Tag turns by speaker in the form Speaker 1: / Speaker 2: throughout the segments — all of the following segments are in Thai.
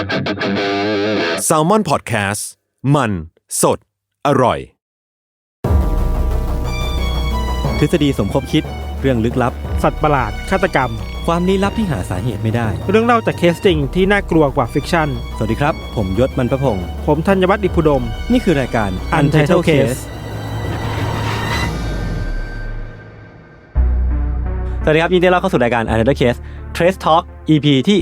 Speaker 1: Salmon Podcast มันสดอร่อย
Speaker 2: ทฤษฎีสมคบคิดเรื่องลึกลับ
Speaker 3: สัตว์ประหลาดฆาตกรรม
Speaker 2: ความลี้ลับที่หาสาเหตุไม่ได้
Speaker 3: เรื่องเล่าจากเคสจริงที่น่ากลัวกว่าฟิกชั่น
Speaker 2: สวัสดีครับผมยศมันประพงษ์
Speaker 3: ผมธัญวัฒน์อิพุดม
Speaker 2: นี่คือรายการ Untitled Case สวัสดีครับยินดีต้อนรับเข้าสู่รายการ Untitled Case Trace Talk EP ที่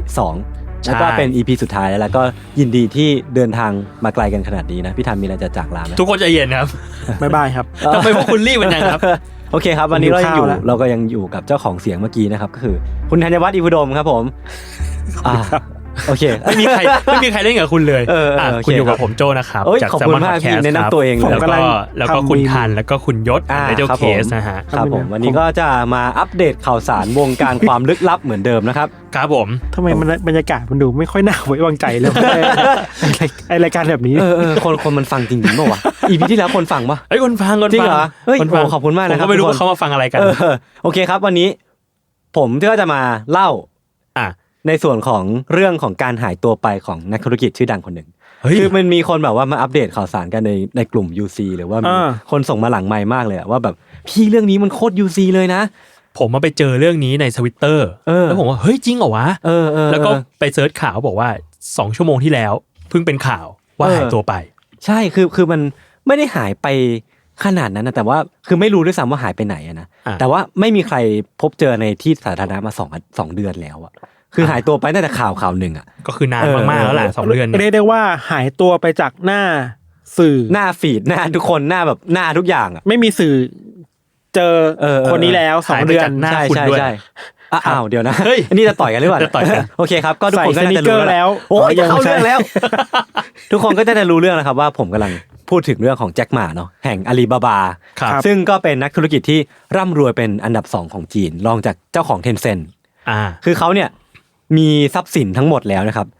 Speaker 2: 2แล้วก็เป็น EP สุดท้ายแล้วก็ยินดีที่เดินทางมาไกลกันขนาดนี้นะพี่ธันมีอะไรจะจากลาไหม
Speaker 4: ทุกคนใจเย็นครับ
Speaker 3: บ๊ายบายครับ
Speaker 4: ทำไมพวกคุณรีบกันจังครับ
Speaker 2: โอเคครับวันนี้เราก็ยังอยู่กับเจ้าของเสียงเมื่อกี้นะครับก็คือคุณธัญวัฒน์อิพุดมครับผมโอเค
Speaker 4: ไม่มีใครเล่นกับคุณเลยคุณอยู่กับผมโจนะครับ
Speaker 2: จาก Salmon Podcast แนะนำตัวเอง
Speaker 4: แล้วก็คุณธันแล้วก็คุณยศในเจ้าเคสนะฮะ
Speaker 2: ครับผมวันนี้ก็จะมาอัปเดตข่าวสารวงการความลึกลับเหมือนเดิมนะครับ
Speaker 4: ครับผม
Speaker 3: ทำไมบรรยากาศมันดูไม่ค่อยน่าไว้วางใจเลยไอรายการแบบนี้
Speaker 2: คนมันฟังจริงๆป่ะวะ EP ที่แล้วคนฟังป่ะ
Speaker 4: คนฟัง
Speaker 2: จริงเหรอเฮ้ยขอบคุณมากนะครับ
Speaker 4: ผมก็ไม่รู้ว่าเขามาฟังอะไรกัน
Speaker 2: โอเคครับวันนี้ผมก็จะมาเล่าในส่วนของเรื่องของการหายตัวไปของนักธุรกิจชื่อดังคนหนึ่งคือมันมีคนแบบว่ามาอัปเดตข่าวสารกันในกลุ่ม UC หรือว่ามีคนส่งมาหลังไมค์มากเลยว่าแบบพี่เรื่องนี้มันโคตร UC เลยนะ
Speaker 4: ผมมาไปเจอเรื่องนี้ใน Twitter แล้วผมว่าเฮ้ยจริงเหรอวะแล้วก็ไปเสิร์ชข่าวบอกว่า2ชั่วโมงที่แล้วเพิ่งเป็นข่าวว่าหายตัวไป
Speaker 2: ใช่คือมันไม่ได้หายไปขนาดนั้นนะแต่ว่าคือไม่รู้ด้วยซ้ำว่าหายไปไหนนะแต่ว่าไม่มีใครพบเจอในที่สาธารณะมา2เดือนแล้วอะคือหายตัวไปตั้งแต่ข่าวหนึ่งอ่ะ
Speaker 4: ก็คือนานมากๆแล้วแหละ2เดือน
Speaker 3: เรียกได้ว่าหายตัวไปจากหน้าสื่อ
Speaker 2: หน้าฟีดหน้าทุกคนหน้าแบบหน้าทุกอย่างอ่ะ
Speaker 3: ไม่มีสื่อเจอคนนี้แล้ว2เดือน
Speaker 2: ใช่อ้าวเดี๋ยวนะอันนี้จะต่อยกันหรือเปล่า
Speaker 4: จะต่อยกัน
Speaker 2: โอเคครับก็ทุกคนก็จะรู้แล้วโอ้ยเข้าเรื่องแล้วทุกคนก็จะรู้เรื่องแล้วครับว่าผมกำลังพูดถึงเรื่องของแจ็คหม่าเนาะแห่งอาลีบาบาซึ่งก็เป็นนักธุรกิจที่ร่ำรวยเป็นอันดับ2ของจีนรองจากเจ้าของ Tencent คือเขาเนี่ยมีทรัพย์สินทั้งหมดแล้วนะครับ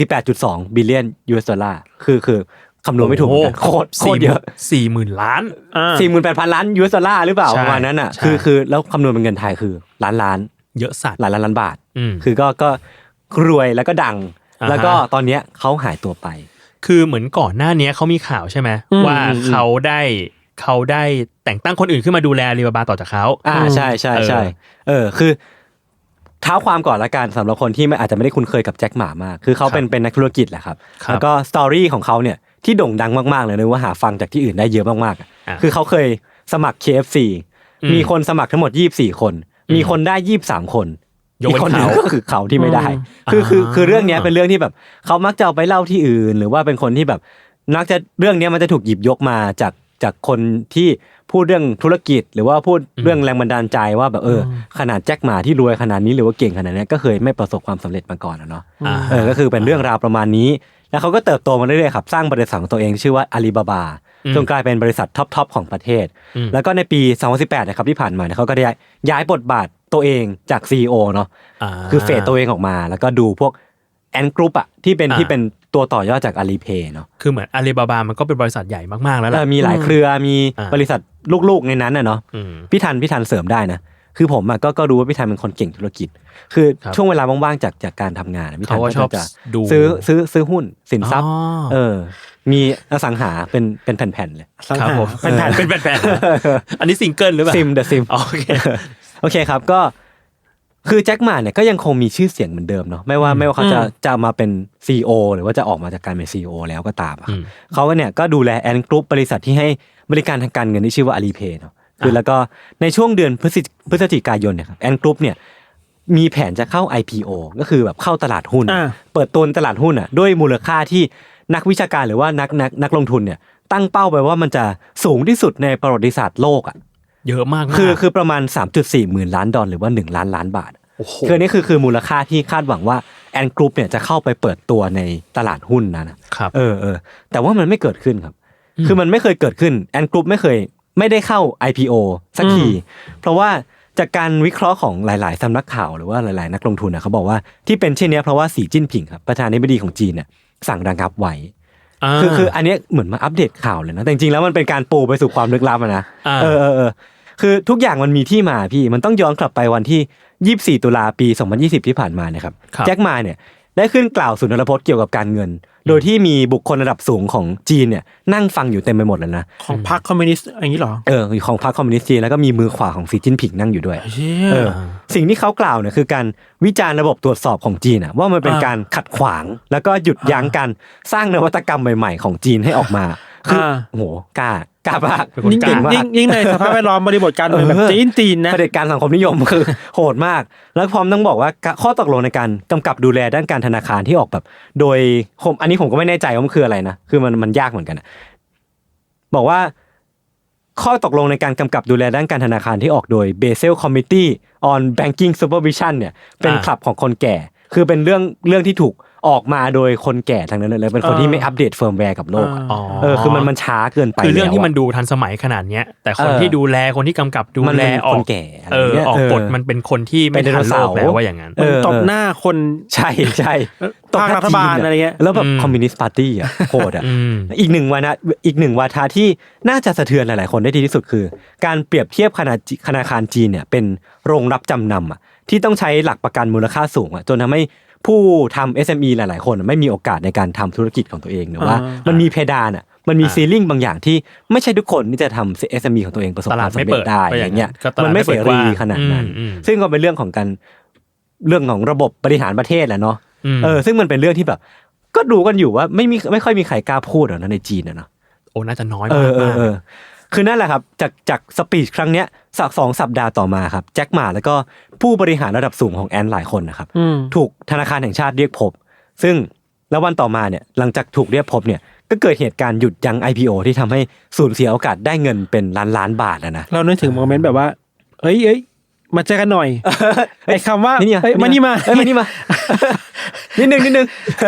Speaker 2: 48.2 บิลเลียน US ดอลลาร์คือคำนวณไม่ถูกโคตรเยอะ
Speaker 4: 40,000 ล้าน
Speaker 2: 48,000 ล้าน US ดอลลาร์หรือเปล่าประมาณนั้นอ่ะคือแล้วคำนวณเป็นเงินไทยคือล้าน
Speaker 4: เยอะสัตว์
Speaker 2: หลายล้านบาทคือก็รวยแล้วก็ดังแล้วก็ตอนเนี้ยเขาหายตัวไป
Speaker 4: คือเหมือนก่อนหน้านี้เขามีข่าวใช่ไหมว่าเขาได้แต่งตั้งคนอื่นขึ้นมาดูแลอาลีบาบาต่อจากเขา
Speaker 2: ใช่คือเท้าความก่อนละกันสำหรับคนที่อาจจะไม่ได้คุ้นเคยกับแจ็คหม่ามากคือเขาเป็นนักธุรกิจแหละครับแล้วก็สตอรี่ของเขาเนี่ยที่โด่งดังมากๆเลยนะว่าหาฟังจากที่อื่นได้เยอะมากๆคือเขาเคยสมัคร KFC มีคนสมัครทั้งหมด24คนมีคนได้23คนอีกคนนึงก็คือเขาที่ไม่ได้คือเรื่องนี้เป็นเรื่องที่แบบเขามักจะเอาไปเล่าที่อื่นหรือว่าเป็นคนที่แบบนักจะเรื่องนี้มันจะถูกหยิบยกมาจากคนที่พูดเรื่องธุรกิจหรือว่าพูดเรื่องแรงบันดาลใจว่าแบบขนาดแจ็คหม่าที่รวยขนาดนี้หรือว่าเก่งขนาดนี้ก็เคยไม่ประสบความสำเร็จมาก่อนเนาะก็คือเป็นเรื่องราวประมาณนี้แล้วเขาก็เติบโตมาเรื่อยๆครับสร้างบริษัทของตัวเองชื่อว่าอาลีบาบาจนกลายเป็นบริษัทท็อปของประเทศแล้วก็ในปี2018นะครับที่ผ่านมาเขาก็ได้ย้ายบทบาทตัวเองจาก CEO เนาะคือเฟดตัวเองออกมาแล้วก็ดูพวกแอนกรุ๊ปอ่ะที่เป็นตัวต่อยอดจาก Alipay เนาะ
Speaker 4: คือเหมือน Alibaba มันก็เป็นบริษัทใหญ่มากๆแล้วแหละ
Speaker 2: มีหลายเครือมีบริษัทลูกๆในนั้นน่ะเนาะพี่ทันเสริมได้นะคือผมอ่ะก็รู้ว่าพี่ทันเป็นคนเก่งธุรกิจคือช่วงเวลาว่างๆจากการทำงานพี่ทันก็จะซื้อหุ้นสินทรัพย์มีอสังหาเป็นแผ่นๆเลย
Speaker 4: ครับผมเป็นแผ่นอันนี้ซิงเกิลหรือเปล่า
Speaker 2: ซิมโอเคครับก็คือแจ็คหม่าเนี่ยก็ยังคงมีชื่อเสียงเหมือนเดิมเนาะไม่ว่าเขาจะมาเป็น CEO หรือว่าจะออกมาจากการเป็น CEO แล้วก็ตามเขาเนี่ยก็ดูแลแอนกรุ๊ปบริษัทที่ให้บริการทางการเงินที่ชื่อว่า Alipay เนาะคือแล้วก็ในช่วงเดือนพฤศจิกายนเนี่ยครับแอนกรุ๊ปเนี่ยมีแผนจะเข้า IPO ก็คือแบบเข้าตลาดหุ้นเปิดตัวตลาดหุ้นอ่ะด้วยมูลค่าที่นักวิชาการหรือว่านักลงทุนเนี่ยตั้งเป้าไปว่ามันจะสูงที่สุดในประวัติศาสตร์โลกอ่ะ
Speaker 4: เยอะมาก
Speaker 2: คือประมาณ 3.4 หมื่นล้านดอลลาร์หรือว่า1ล้านล้านบาทคือนี่คือมูลค่าที่คาดหวังว่าแอนกรุ๊ปเนี่ยจะเข้าไปเปิดตัวในตลาดหุ้นนะครับแต่ว่ามันไม่เกิดขึ้นครับคือมันไม่เคยเกิดขึ้นแอนกรุ๊ปไม่ได้เข้า IPO สักทีเพราะว่าจากการวิเคราะห์ของหลายๆสำนักข่าวหรือว่าหลายๆนักลงทุนเขาบอกว่าที่เป็นเช่นนี้เพราะว่าสีจิ้นผิงครับประธานาธิบดีของจีนเนี่ยสั่งระงับไว้คืออันนี้เหมือนมาอัปเดตข่าวเลยนะแต่จริงๆแล้วมันเป็นการปูไปสู่ความลึกลับนะคือทุกอย่างมันมีที่มาพี่มันต้องย้อนกลับไปวันที่24ตุลาปี2020ที่ผ่านมานะครับแจ็คหม่าเนี่ยได้ขึ้นกล่าวสุนทรพจน์เกี่ยวกับการเงิน โดยที่มีบุคคลระดับสูงของจีนเนี่ยนั่งฟังอยู่เต็มไปหมดเลยนะ
Speaker 3: ของพรรคคอมมิวนิสต์อย่างนี้หรอ
Speaker 2: ของพรรคคอมมิวนิสต์จีนแล้วก็มีมือขวาของสีจิ้นผิงนั่งอยู่ด้วยสิ่งที่เขากล่าวเนี่ยคือการวิจารณ์ระบบตรวจสอบของจีนว่ามันเป็นการขัดขวางแล้วก็หยุดยั้งการสร้างนวัตกรรมใหม่ๆของจีนให้ออกมาคือโอ้โหกล้ามาก
Speaker 3: ยิ่งในสภาพแวดล้อมบริบทการเมืองแบบจีนนะ
Speaker 2: เผด็จการสังคมนิยมคือโหดมากแล้วพร้อมต้องบอกว่าข้อตกลงในการกำกับดูแลด้านการธนาคารที่ออกแบบโดยอันนี้ผมก็ไม่แน่ใจว่ามันคืออะไรนะคือมันยากเหมือนกันนะบอกว่าข้อตกลงในการกำกับดูแลด้านการธนาคารที่ออกโดย Basel Committee on Banking Supervision เนี่ยเป็นคลับของคนแก่คือเป็นเรื่องที่ถูกออกมาโดยคนแก่ทั้งนั้นเลยเป็นคนที่ไม่อัปเดตเฟิร์มแวร์กับโลกคือมันช้าเกินไป
Speaker 4: คือเรื่องที่มันดูทันสมัยขนาดเนี้ยแต่คนที่ดูแลคนที่กำกับดูแลออก
Speaker 2: แก่
Speaker 4: ออกกฎมันเป็นคนที่ไม่ทันโลกแล้วว่าอย่างนั้น
Speaker 3: ตบหน้าคน
Speaker 2: ใช่
Speaker 3: ตบรัฐบาลอะไรเงี้ย
Speaker 2: แล้วแบบคอมมิวนิสต์พาร์ตี้อ่ะโหดอ่ะอีกหนึ่งวาทะที่น่าจะสะเทือนหลายๆคนได้ดีที่สุดคือการเปรียบเทียบธนาคารจีนเนี่ยเป็นโรงรับจำนำอ่ะที่ต้องใช้หลักประกันมูลค่าสูงอ่ะจนทำให้ผู้ทำ SME หลายๆคนไม่มีโอกาสในการทำธุรกิจของตัวเองหรือว่ามันมีเพดานอ่ะมันมีซีลิ่งบางอย่างที่ไม่ใช่ทุกคนที่จะทำ SME ของตัวเองประสบความสำเร็จได้อย่างเงี้ยมันไม่เสรีขนาดนั้นซึ่งก็เป็นเรื่องของระบบบริหารประเทศแหละเนาะซึ่งมันเป็นเรื่องที่แบบก็ดูกันอยู่ว่าไม่ค่อยมีใครกล้าพูดหรอกนะในจีนนะเนาะ
Speaker 4: โอ้น่าจะน้อยมาก
Speaker 2: คือนั่นแหละครับจากสปีชครั้งเนี้ยสัก2 สัปดาห์ต่อมาครับแจ็คหม่าแล้วก็ผู้บริหารระดับสูงของแอนหลายคนนะครับถูกธนาคารแห่งชาติเรียกพบซึ่งแล้ววันต่อมาเนี่ยหลังจากถูกเรียกพบเนี่ยก็เกิดเหตุการณ์หยุดยั้ง IPO ที่ทำให้สูญเสียโอกาสได้เงินเป็นล้านบาทนะ
Speaker 3: เรานึกถึงโมเมนต์แบบว่าเอ้ยมาเจอกันหน่อยไอ้คำว่ามานี่มา
Speaker 2: นิดนึง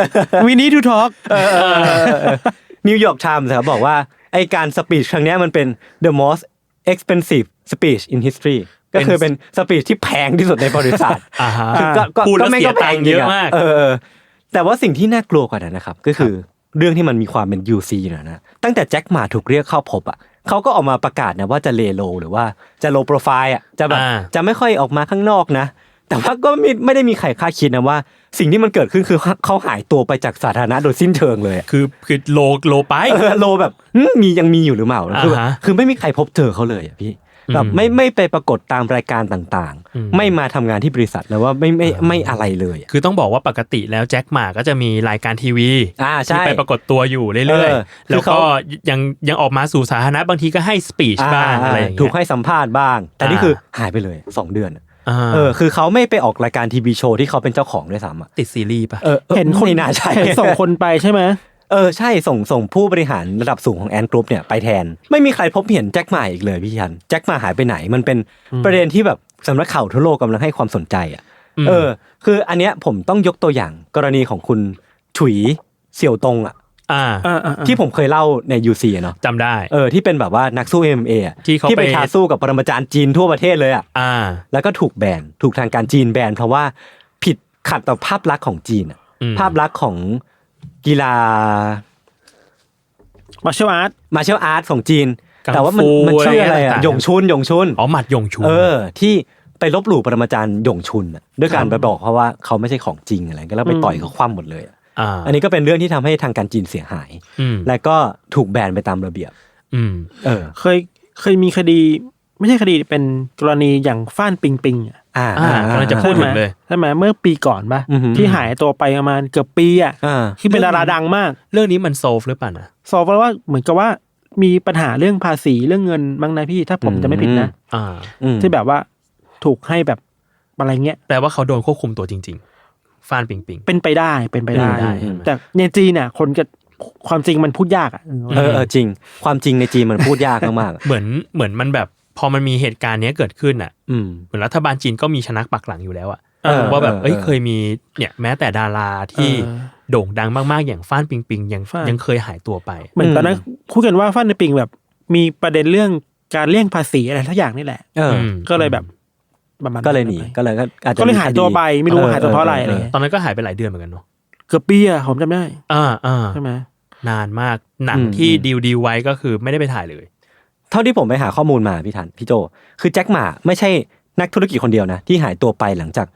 Speaker 3: We need to talk
Speaker 2: นิวยอร์กไทม์ครับบอกว่าไอการสปีชครั้งนี้มันเป็น the most expensive speech in history ก็คือเป็นสปีชที่แพงที่สุดในประวัติศาสตร์
Speaker 4: ก็ไม่ก็แพงเยอะมาก
Speaker 2: แต่ว่าสิ่งที่น่ากลัวกว่านั้นนะครับก็คือเรื่องที่มันมีความเป็น UC นะตั้งแต่แจ็คหม่าถูกเรียกเข้าพบอ่ะเขาก็ออกมาประกาศนะว่าจะเลโลหรือว่าจะโลโปรไฟล์อ่ะจะแบบจะไม่ค่อยออกมาข้างนอกนะแต่ว่าก็ไม่ได้มีใครคาดคิดนะว่าสิ่งที่มันเกิดขึ้นคือเขาหายตัวไปจากสาธารณะโดยสิ้นเชิงเลย
Speaker 4: คือโลไป
Speaker 2: โลแบบยังมีอยู่หรือเปล่าคือไม่มีใครพบเจอเขาเลยอ่ะพี่แบบไม่ไปปรากฏตามรายการต่างๆไม่มาทำงานที่บริษัทแล้วว่าไม่อะไรเลย
Speaker 4: คือต้องบอกว่าปกติแล้วแจ็คหม่าก็จะมีรายการทีวีที่ไปปรากฏตัวอยู่เรื่อยๆแล้วก็ยังออกมาสู่สาธารณะบางทีก็ให้สปีชบ้างอะไรอย่างเงี้ย
Speaker 2: ถูกให้สัมภาษณ์บ้างแต่นี่คือหายไปเลย2 เดือนคือเขาไม่ไปออกรายการทีวีโชว์ที่เขาเป็นเจ้าของด้วยซ้ำ
Speaker 4: ติดซีรีส์ป่ะ
Speaker 2: เห็นคนน่าใช่
Speaker 3: ส่งคนไปใช่ไหม
Speaker 2: ใช่ส่งผู้บริหารระดับสูงของแอนกรุ๊ปเนี่ยไปแทนไม่มีใครพบเห็นแจ็คหม่าอีกเลยพี่ชันแจ็คหม่าหายไปไหนมันเป็นประเด็นที่แบบสำนักข่าวทั่วโลกกำลังให้ความสนใจอ่ะคืออันเนี้ยผมต้องยกตัวอย่างกรณีของคุณฉุยเสี่ยวตงอ่ะที่ผมเคยเล่าใน UC เนาะ
Speaker 4: จำได้
Speaker 2: ที่เป็นแบบว่านักสู้ MMA อ่ะที่ไปท้าสู้กับปรมาจารย์จีนทั่วประเทศเลยอ่ะแล้วก็ถูกทางการจีนแบนเพราะว่าผิดขัดต่อภาพลักษณ์ของจีนอ่ะภาพลักษณ์ของกีฬา
Speaker 3: martial
Speaker 2: art ของจีนแต่ว่ามันชื่ออะไรอ่ะหยงชุน
Speaker 4: อ๋อหมัดหยงชุน
Speaker 2: ที่ไปลบหลู่ปรมาจารย์หยงชุนด้วยการไปบอกเขาว่าเขาไม่ใช่ของจริงอะไรก็แล้วไปต่อยเขาคว่ำหมดเลยอันนี้ก็เป็นเรื่องที่ทำให้ทางการจีนเสียหายและก็ถูกแบนไปตามระเบียบ
Speaker 3: เคยมีคดีไม่ใช่คดีเป็นกรณีอย่างฟ้านปิงปิง
Speaker 4: กำลังจะพูดถึงเลย
Speaker 3: ใช่ไหมเมื่อปีก่อนป่ะที่หายตัวไปประมาณเกือบปีที่เป็นดาราดังมาก
Speaker 4: เรื่องนี้มันโซฟหรือเปล่านะ
Speaker 3: โซฟเพราะว่าเหมือนกับว่ามีปัญหาเรื่องภาษีเรื่องเงินบ้างนะพี่ถ้าผมจะไม่ผิดนะที่แบบว่าถูกให้แบบอะไรเงี้ย
Speaker 4: แปลว่าเขาโดนควบคุมตัวจริงๆฟ้านปิงปิง
Speaker 3: เป็นไปได้แต่ในจีนเนี่ยคนจะความจริงมันพูดยาก
Speaker 2: จริงความจริงในจีนมันพูดยากมาก
Speaker 4: ๆเหมือนมันแบบพอมันมีเหตุการณ์นี้เกิดขึ้นเหมือนรัฐบาลจีนก็มีชนักปักหลังอยู่แล้วว่าแบบเคยมีเนี่ยแม้แต่ดาราที่โด่งดังมากๆอย่างฟ้านปิงปิงยังเคยหายตัวไป
Speaker 3: เหมือนตอนนั้นพูดกันว่าฟ้านปิงแบบมีประเด็นเรื่องการเลี่ยงภาษีอะไรทุกอย่างนี่แหละก็เลยแบบ
Speaker 2: ก็เลยหนีก็เลยอาจจะ
Speaker 3: ก็เลยหายตัวไปไม่รู้หายตัวเพราะอะไร
Speaker 4: ตอนนั้นก็หายไปหลายเดือนเหมือนกันเนาะ
Speaker 3: เกือบปีผมจำได้ใช่ไหม
Speaker 4: นานมากหนังที่ดีลไว้ก็คือไม่ได้ไปถ่ายเลย
Speaker 2: เท่าที่ผมไปหาข้อมูลมาพี่โจคือแจ็คหม่าไม่ใช่นักธุรกิจคนเดียวนะที่หายตัวไปหลังจาก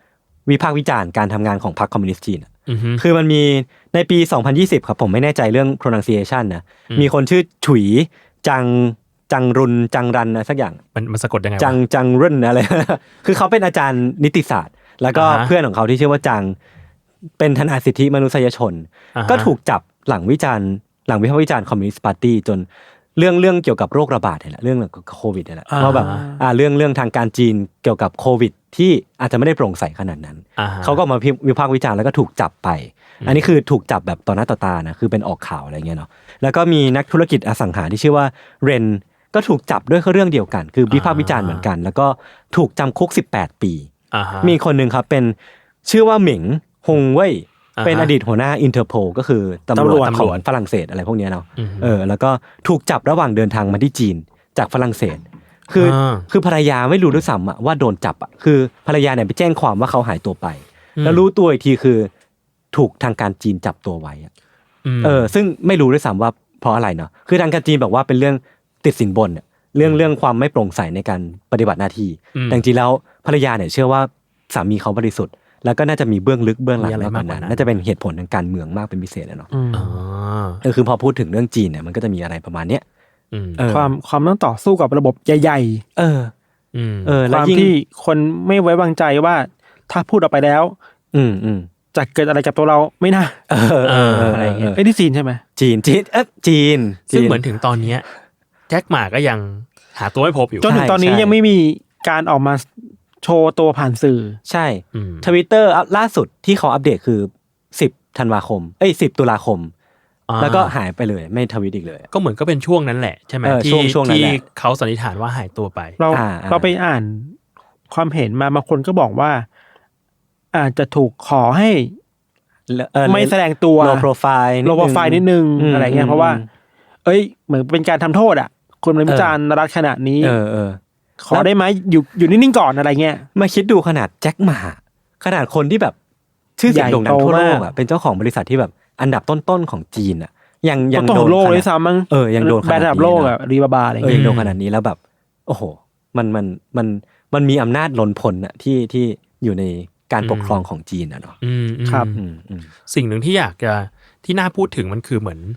Speaker 2: วิพากษ์วิจารณ์การทำงานของพรรคคอมมิวนิสต์จีนคือมันมีในปี 2020 ครับผมไม่แน่ใจเรื่อง pronunciation นะมีคนชื่อฉุยจังรุนจังรันนะสักอย่าง
Speaker 4: มันสะกดยังไง
Speaker 2: จังรุ่นอะไร คือเขาเป็นอาจารย์นิติศาสตร์แล้วก็เพื่อนของเขาที่ชื่อว่าจังเป็นทนายสิทธิมนุษยชนก็ถูกจับหลังวิพากษ์วิจารณ์คอมมิวนิสต์ปาร์ตี้จนเรื่องเกี่ยวกับโรคระบาดนี่แหละเรื่องโควิดนี่แหละเพราะแบบเรื่องทางการจีนเกี่ยวกับโควิดที่อาจจะไม่ได้โปร่งใสขนาดนั้นเขาก็มาวิพากษ์วิจารณ์แล้วก็ถูกจับไปอันนี้คือถูกจับแบบต่อหน้าต่อตานะคือเป็นออกข่าวอะไรเงี้ยเนาะแล้วก็มีนักธุรกิจอสังหาที่ชื่อว่าเรนก็ถูกจับด้วยเรื่องเดียวกันคือวิพากษ์วิจารณ์เหมือนกันแล้วก็ถูกจำคุก18 ปีมีคนนึงครับเป็นชื่อว่าเหมิงฮงเว่ยเป็นอดีตหัวหน้าอินเตอร์โพลก็คือตำรวจของฝรั่งเศสอะไรพวกนี้เนาะแล้วก็ถูกจับระหว่างเดินทางมาที่จีนจากฝรั่งเศสคือภรรยาไม่รู้ด้วยซ้ำว่าโดนจับคือภรรยาเนี่ยไปแจ้งความว่าเขาหายตัวไปแล้วรู้ตัวอีกทีคือถูกทางการจีนจับตัวไว้ซึ่งไม่รู้ด้วยซ้ำว่าเพราะอะไรเนาะคือทางการจีนบอกว่าเป็นเรื่องติดสินบนเนี่ยเรื่องความไม่โปร่งใสในการปฏิบัติหน้าที่แต่จริงๆแล้วภรรยาเนี่ยเชื่อว่าสามีเขาบริสุทธิ์แล้วก็น่าจะมีเบื้องลึกเบื้องหลังมากกว่านั้นน่าจะเป็นเหตุผลทางการเมืองมากเป็นพิเศษเนาะคือพอพูดถึงเรื่องจีนเนี่ยมันก็จะมีอะไรประมาณเนี้ย
Speaker 3: ความต้องต่อสู้กับระบบใหญ่ๆความที่คนไม่ไว้วางใจว่าถ้าพูดออกไปแล้วจะเกิดอะไรกับตัวเราไม่น่าอะไรอย่างเงี้ยที่จีนใช่ไหม
Speaker 2: จีน
Speaker 4: ซึ่งเหมือนถึงตอนนี้แจ็คหม่าก็ยังหาตัวไม่พบอยู่
Speaker 3: จนถึงตอนนี้ยังไม่มีการออกมาโชว์ตัวผ่านสื่อ
Speaker 2: ใช่ Twitter ล่าสุดที่เขาอัปเดตคือ10 ธันวาคม10 ตุลาคมแล้วก็หายไปเลยไม่ทวิตอีกเลย
Speaker 4: ก็เหมือนก็เป็นช่วงนั้นแหละใช่ไหมที่เขาสันนิษฐานว่าหายตัวไป
Speaker 3: เราไปอ่านความเห็นมาบางคนก็บอกว่าอาจจะถูกขอให้ไม่แสดงตัว
Speaker 2: low profile
Speaker 3: นิดนึงอะไรเงี้ยเพราะว่าเหมือนเป็นการทำโทษอ่ะคนเป็นวิจารณ์รัฐขนาดนี้ขอได้ไหมอยู่นิ่งๆก่อนอะไรเงี้ย
Speaker 2: มาคิดดูขนาดแจ็คหม่าขนาดคนที่แบบชื่อเสียงโด่งดังทั่วโลกอ่ะเป็นเจ้าของบริษัทที่แบบอันดับต้นๆของจีนอ่ะยัง
Speaker 3: โดนโลกเลยซ้ำมั้ง
Speaker 2: ยังโดน
Speaker 3: แบรนด์ระดับโลกอ่ะรีบาบาอะไรเงี้ย
Speaker 2: ยังโดนขนาดนี้แล้วแบบโอ้โหมันมีอำนาจล้นพ้นอ่ะที่อยู่ในการปกครองของจีนอ่ะเนาะ
Speaker 3: ครับ
Speaker 4: สิ่งหนึ่งที่อยากจะที่น่าพูดถึงมันคือเหมือน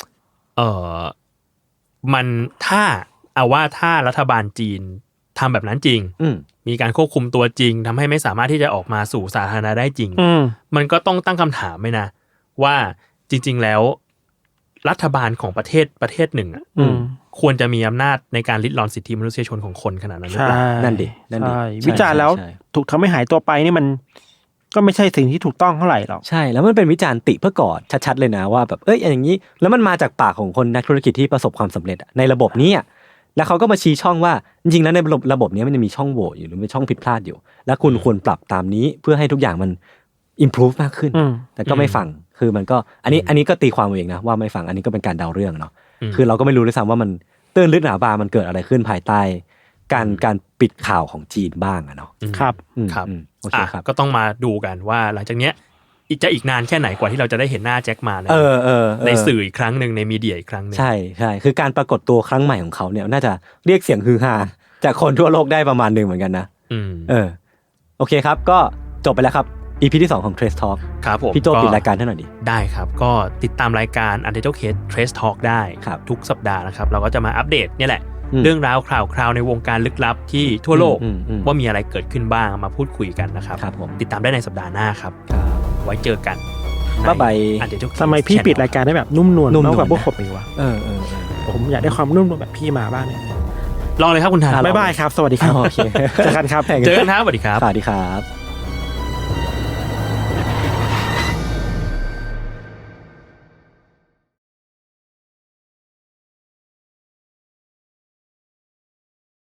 Speaker 4: มันถ้ารัฐบาลจีนทำแบบนั้นจริงมีการควบคุมตัวจริงทำให้ไม่สามารถที่จะออกมาสู่สาธารณะได้จริงมันก็ต้องตั้งคำถามไหมนะว่าจริงๆแล้วรัฐบาลของประเทศหนึ่งควรจะมีอำนาจในการริดรอนสิทธิมนุษยชนของคนขนาดนั้นหรือเปล่า
Speaker 2: นั่นดิ
Speaker 3: วิจารณ์แล้วถูกทำให้หายตัวไปนี่มันก็ไม่ใช่สิ่งที่ถูกต้องเท่าไหร่หรอก
Speaker 2: ใช่แล้วมันเป็นวิจารณ์ติเพื่อกอดชัดๆเลยนะว่าแบบอย่างนี้แล้วมันมาจากปากของคนนักธุรกิจที่ประสบความสำเร็จในระบบนี้แล้วเขาก็มาชี้ช่องว่าจริงๆแล้วในระบบนี้มันจะมีช่องโหว่อยู่หรือมีช่องผิดพลาดอยู่แล้วคุณควรปรับตามนี้เพื่อให้ทุกอย่างมัน improve มากขึ้นแต่ก็ไม่ฟังคือมันก็อันนี้ก็ตีความเองนะว่าไม่ฟังอันนี้ก็เป็นการเดาเรื่องเนาะคือเราก็ไม่รู้ด้วยซ้ำว่ามันตื้นลึกหนาบางมันเกิดอะไรขึ้นภายใต้การปิดข่าวของจีนบ้างเนาะ
Speaker 3: ครับ
Speaker 2: โอเคครับ
Speaker 4: ก็ต้องมาดูกันว่าหลังจากเนี้ยอีกนานแค่ไหนกว่าที่เราจะได้เห็นหน้าแจ็คหม่าในสื่ออีกครั้งนึงในมีเดียอีกครั้งนึง
Speaker 2: ใช่คือการปรากฏตัวครั้งใหม่ของเขาเนี่ยน่าจะเรียกเสียงฮือฮาจากคนทั่วโลกได้ประมาณนึงเหมือนกันนะโอเคครับก็จบไปแล้วครับ EP ที่2ของ Trace Talk
Speaker 4: ครับผม
Speaker 2: พี่โจปิดรายการให้หน่อยดิ
Speaker 4: ได้ครับก็ติดตามรายการ Untitled Case Trace Talk ได้ทุกสัปดาห์นะครับเราก็จะมาอัปเดตเนี่ยแหละเรื่องราวข่าวในวงการลึกลับที่ทั่วโลกว่ามีอะไรเกิดขึ้นบ้างมาพูดคุยกันนะครับติดตามได้ในสัปดาห์หน้าครับไว้เจอกัน
Speaker 2: บ๊ายบาย
Speaker 3: ทำไมพี่ปิดรายการได้แบบนุ่มนวลมากกว่าพวกผมอีกวะผมอยากได้ความนุ่มนวลแบบพี่มาบ้างเนี่ย
Speaker 4: ลองเลยครับคุณทาน
Speaker 3: บ๊ายบายครับสวัสดีครับโอเคเจอกันครับ
Speaker 4: เจอกันครับสวัสดีครับ
Speaker 2: สวัสดีครับ